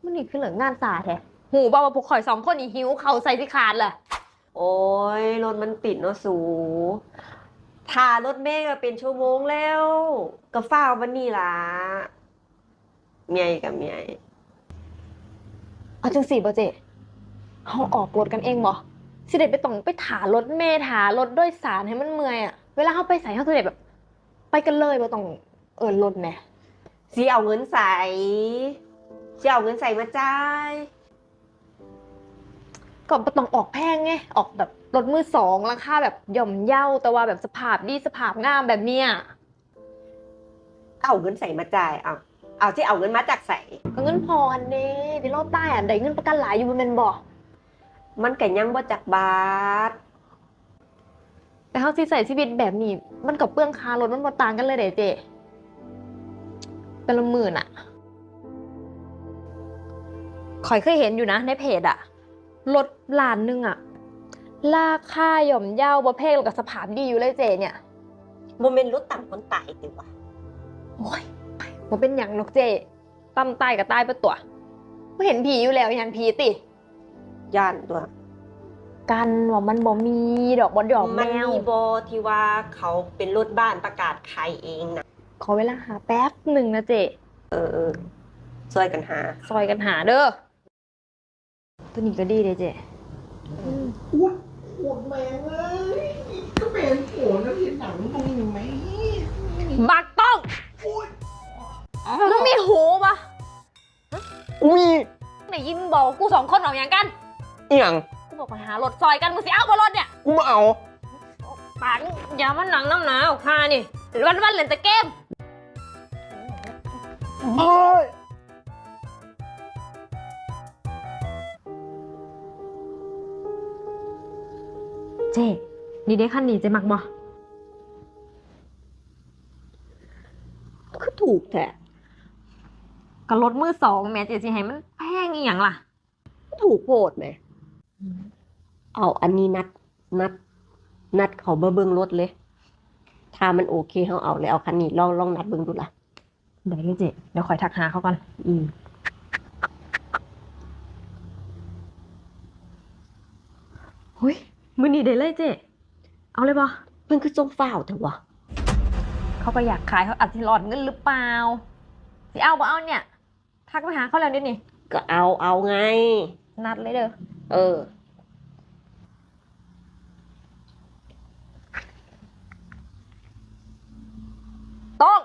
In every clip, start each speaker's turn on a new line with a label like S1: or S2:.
S1: มันนี่คือเหลืองงานสาแท้หูบอกว่าพวกข่อยสองคนนี่หิวเขาใส่สิขาดแหละ
S2: โอ้ยรถมันติดเนาะสูถ่ารถเมล์ก็เป็นชั่วโมงแล้วก็ฟ้าววันนี้ล่ะเมียกับเมีย
S1: เอาจังสี่บ่เจเขาออกรถกันเองบ่สิเด็ดไปต้องไปถารถเมล์ถารถโดยสารให้มันเมื่อยอะเวลาเขาไปใส่เขาสิเด็ดแบบ ไปกันเลยบ่ต้องรถแหม
S2: สิเอาเงินใส่สิเอาเงินใส่มาจ่าย
S1: ก็บ่ต้องออกแพงไงออกแบบรถมือสองราคาแบบย่อมเยาแต่ว่าแบบสภาพดีสภาพงามแบบเนี้ย
S2: เอาเงินใส่มาจ่ายเอาที่เอาเงินมาจากใส่
S1: ก็เงินพออันเด้ที่เราใต้อันใดเงินประกันหลายอยู่บ่แม่นบ่
S2: มันก็ยังบ่จักบาท
S1: แต่เฮาสิใช้ชีวิตแบบนี้มันก็เปลืองค่ารถมันบ่ต่างกันเลยเด้เจเป็นละหมื่นอะข่อยเคยเห็นอยู่นะในเพจอะรถล้านนึงอะราคาย่อมเยาบ่แพงแล้วก็สภาพดีอยู่เลยเจเนี่ย
S2: บ่แม่นรถต่ำคนตายติวะ
S1: โอ้ยบ่เป็นหยังหรอกเจตำตายก็ตายไปตัวบ่เห็นผีอยู่แล้วยันผีติ
S2: ย่านตัว
S1: กันว่ามันบ่มีดอกบ่ดอกแมว
S2: มันมีบ่ที่ว่าเขาเป็นรถบ้านประกาศขายเองนะ
S1: ขอเวลาหาแป๊บหนึ่งนะเจ
S2: ช่วยกันหา
S1: ซอยกันหาเด้อตัวนี้ก็ดีเลยเจ
S3: อ้วนโหดแมงเลยก็เป็นโหดแล้วเห็นหนังตรงนี้ไหม
S1: บักต้องมึงมีหูปะ
S3: มี
S1: ไหนยินบอกกูสองคนออกอย่างกัน
S3: เอียง
S1: กูบอกไปหารถซอยกันมึงสิเอาบนรถเนี่ย
S3: กูมาเอา
S1: ปังอย่ามันหนังน้ำหนาวค่ะนี่วันเล่นแต่เกม
S3: โอ้ย
S1: เจ๊นี่ได้คันนี้เจ๊มักบ่
S2: คือถูกแท้
S1: ก็รถมือสองแม่เจ๊สิให้มันแพงอีหยังล่ะ
S2: ถูกโพดไหมเอาอันนี้นัดเขาเบิ่งรถเลยถ้ามันโอเคเขาเอาเลยเอาคันนี้ลองนัดเบิ่งดูล่ะ
S1: เดี๋ยวเจ๊เดี๋ยวคอยทักหาเขาก่อนเฮ้ยมือนี้ได้เลยเจ๊เอาเลยบ่
S2: เพิ่นคือจงฟ้าวเถอะวะ
S1: เขาก็อยากขายเขาอาจจะหลอดเงินหรือเปล่าสิเอาบ่เอาเนี่ยทักไปหาเขาแล้วดินี่
S2: ก็เอาไง
S1: นัดเลยเด้อต้อง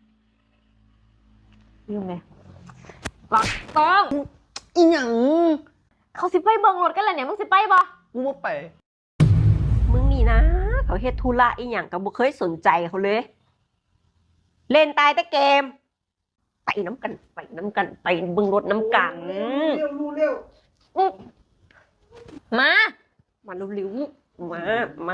S1: ยุ่งไงบักต้อง
S3: อีหยัง
S1: เขาสิไปเบิ่งรถกันแหละเนี่ยมึงสิไปบ่
S3: กูบ่ไป
S2: มึงนี่นะเขาเฮ็ดธุระอีหยังก็บ่เคยสนใจเขาเลยเล่นตายแต่เกมไปน้ำกันไปเบิ่งรถน้ำกัน
S3: เร็ว
S1: มา
S2: เร็วๆมา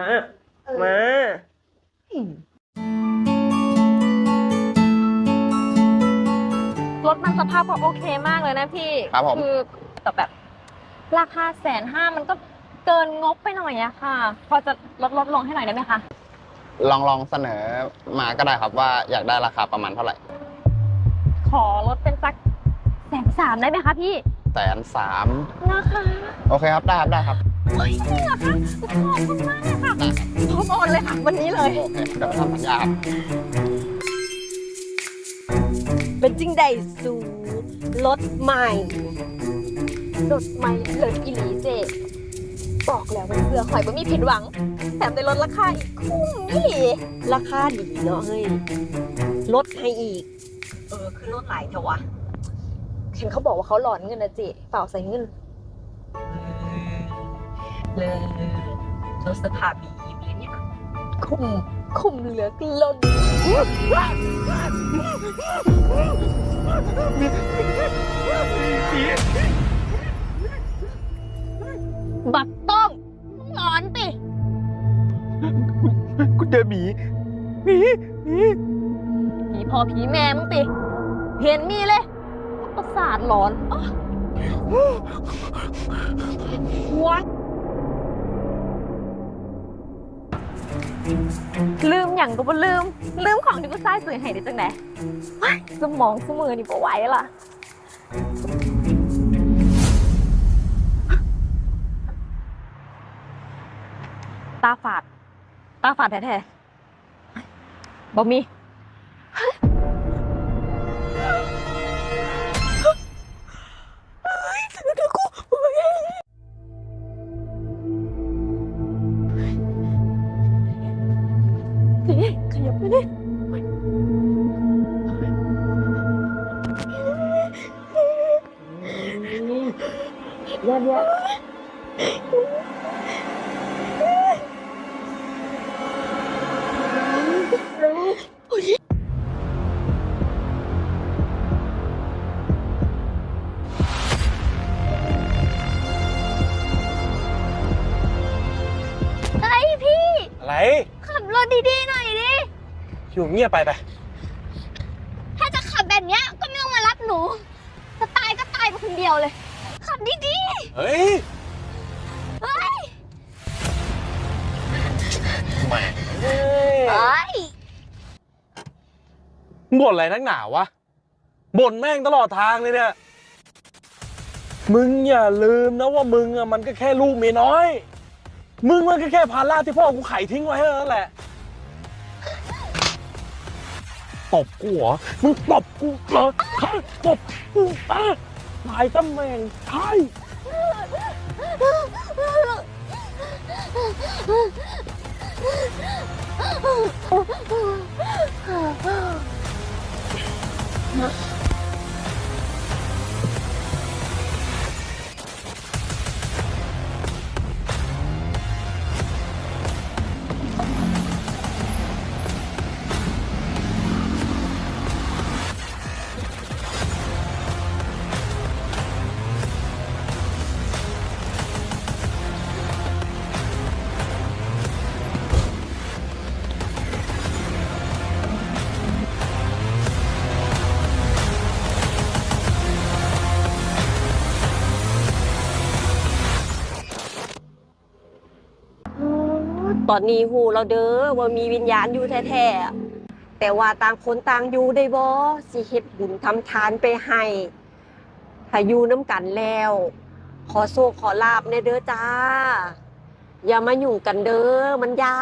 S1: รถมันสภาพก็โอเคมากเลยนะพี่
S4: ครับผม
S1: คือแต่แบบราคา150,000มันก็เกินงบไปหน่อยอะค่ะพอจะลดลงให้หน่อยได้ไหมคะ
S4: ลองเสนอมาก็ได้ครับว่าอยากได้ราคาประมาณเท่าไหร่
S1: ขอลดเป็นสัก130,000ได้ไหมคะพี่
S4: 130,000
S1: นะคะ
S4: โอเคครับได้ครับ
S1: จริงเหรอคะขอบคุณมากเลยค่ะพร้อมโอนเลยค่ะวันนี้เลย
S4: โอเคเดี๋ยวไปทำสัญญาครับ
S2: เป็นจริงใดสูรถใหม่
S1: เลยอีหลีเจบอกแล้วมันเพื่อข่อยบ่มีผิดหวังแถมได้ลดราคาอีกคุ้มนี่
S2: ราคาดีเนาะเฮ้ยลดให้อีกคือลดหลายเท่าวะ
S1: เห็นเขาบอกว่าเขาหลอนเงินนะเจเปล่าใส่เงิน
S2: เลยรถสภาพดีเลยเนี่ย
S1: คุ้มเหลือเกินบักต้องหลอนติ
S3: กูเจอหมี
S1: ผีพ่อผีแม่มึงติเห็นมีเลยประสาทหลอนว้าลืมอย่างก็บ่ลืมของที่กูใส่ซื้อให้ได้จังไหนสมองสมือนี่บ่ไหวล่ะตาฝาดแท้ๆบ่มีขยับไปดิเดี๋ยวไอพี่
S5: อะไร
S1: ขับรถดีๆหน่อยดิ
S5: อยู่เงียบไป
S1: ถ้าจะขับแบบเนี้ยก็ไม่ต้องมารับหนูจะตายก็ตายไปคนเดียวเลย ขับดี
S5: เฮ้ย
S1: ๆเฮ้ย
S5: แหม่
S1: เฮ้ย
S5: บ่นอะไรนักหนาวะบ่นแม่งตลอดทางเลยเนี่ย มึงอย่าลืมนะว่ามึงอะมันก็แค่ลูกเมียน้อย มึงมันก็แค่ภาระที่พ่อกูไขทิ้งไว้เท่านั้นแหละ ตบกูเหรอ มึงตบกูเหรอใครตบกูตายตำแหน่งใช่
S2: ตอนนี้หูเราเด้อว่ามีวิญญาณอยู่แท้ๆอะแต่ว่าต่างคนต่างอยู่ได้บ่สิเฮ็ดบุญทำทานไปให้ถ้าอยู่น้ำกันแล้ว ขอโชคขอลาบในเด้อจ้า อย่ามายุ่งกันเด้อมันยาน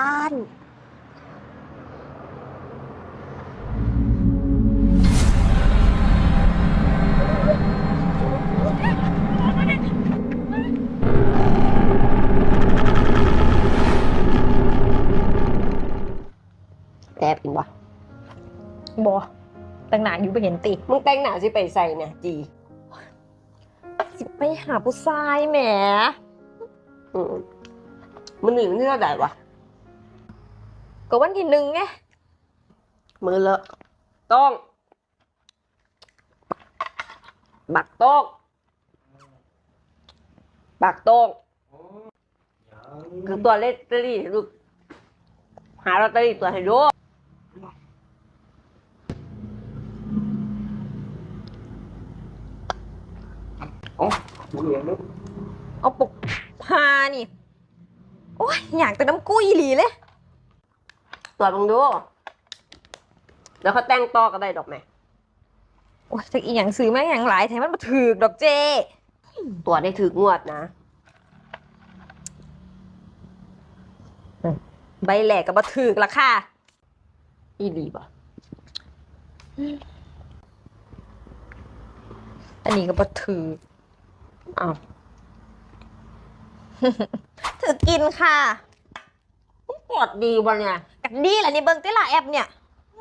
S2: แอบกินวะ
S1: บอแต่งหนาอยู่ไปเห็นติ
S2: มึงแต่งหน้าสิไปใส่เนี่ยจี
S1: สิไปหาผู้ชายแหม
S2: มันหนีมันที่เท่าไหร่วะ
S1: ก็วันที่1ไง
S2: มือเลอะต้องบักโต้งบักโต้งคือตัวเลขตอรี่ลูกหาลอตเตอรี่ตัวให้ดู
S1: เอาปกพานี่ โอ้ยอยากแต่น้ำกุ้ยหลีเลย
S2: ตัวมึงดู แล้วเขาแต่งต่อก็ได้ดอกแม่
S1: โอ้ยแต่อีหยังซื้อมาอย่างหลายแถมมันมาถือกดอกเจ
S2: ตัวได้ถืองวดนะ
S1: ใบแหลกกับมาถือกละค่ะ
S2: อีดีป่ะ
S1: อันนี้ก็มาถือก
S2: อ้าว
S1: ถือกินค่ะ
S2: กดดีวะเนี่ย
S1: กันดีแหละนี่เบิ้งเต้ล่ะแอปเนี่ย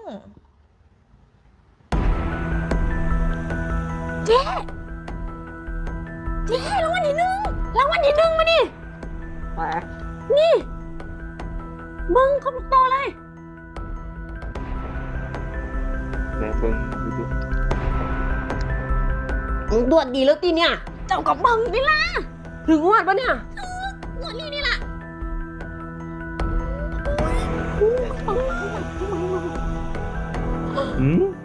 S1: เจ๊รางวัลที่ 1รางวัลที่ 1มานี่
S2: ไป
S1: นี่เบิ้งเขาบอกโตเลย
S2: มึงตรวจดีแล้วตีเนี่ย
S1: เจ้ากับเบิ้งนี่ล่ะ
S2: ถึงงวดปะเนี่ย
S1: งวดนี้นี่ล่ะ
S5: อืม